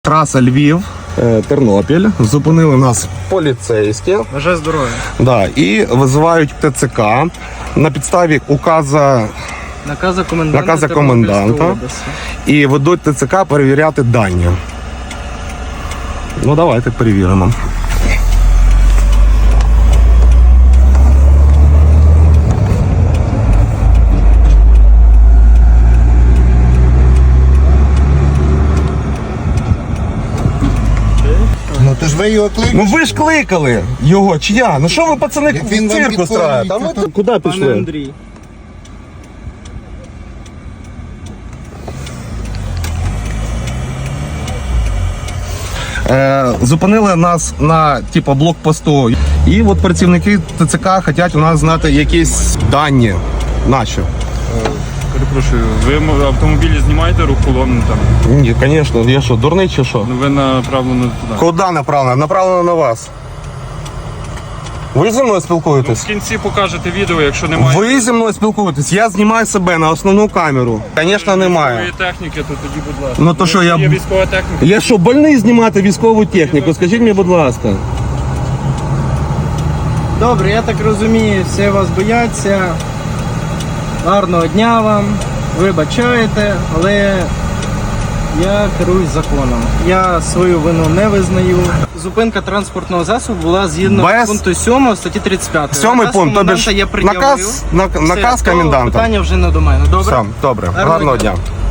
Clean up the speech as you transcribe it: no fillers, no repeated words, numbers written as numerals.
Траса Львів, Тернопіль. Зупинили нас поліцейські. Бажаю здоров'я. Да, і визивають ТЦК на підставі Наказа коменданта Тернопільської області. і ведуть ТЦК перевіряти дані. Ну давайте перевіримо. Ну то ж ви його кликали. Ну ви ж кликали його, чи я? Ну що ви, пацани, Як він вам цирк підходить, устраєте? А ми то- тут куди Пане пішли? Андрій. Зупинили нас на блокпосту. І от працівники ТЦК хочуть у нас знати якісь дані наші. Перепрошую, ви автомобілі знімаєте рух колонни там? Ні, звісно, я що, дурний чи що? Ну ви направлено туди. Куди направлено? Направлено на вас. Ви зі мною спілкуєтесь? В кінці покажете відео, якщо немає Ви зі мною спілкуєтесь? Я знімаю себе на основну камеру. Звісно, немає. військової техніки, то тоді, будь ласка. Ну, то що, я- Є військова техніка. Я що, больний знімати військову техніку? Скажіть мені, будь ласка. Добре, я так розумію, всі вас бояться. Гарного дня вам. Вибачаєте, але я керуюсь законом. Я свою вину не визнаю. Зупинка транспортного засобу була згідно Без- пункту 7 статті 35. Сьомий Наказ пункт, тобі коменданта ж я пред'явив. наказ Все, наказ то коменданта. Питання вже не до мене. Добре? Все, добре. Гарного Гарного дня. дня.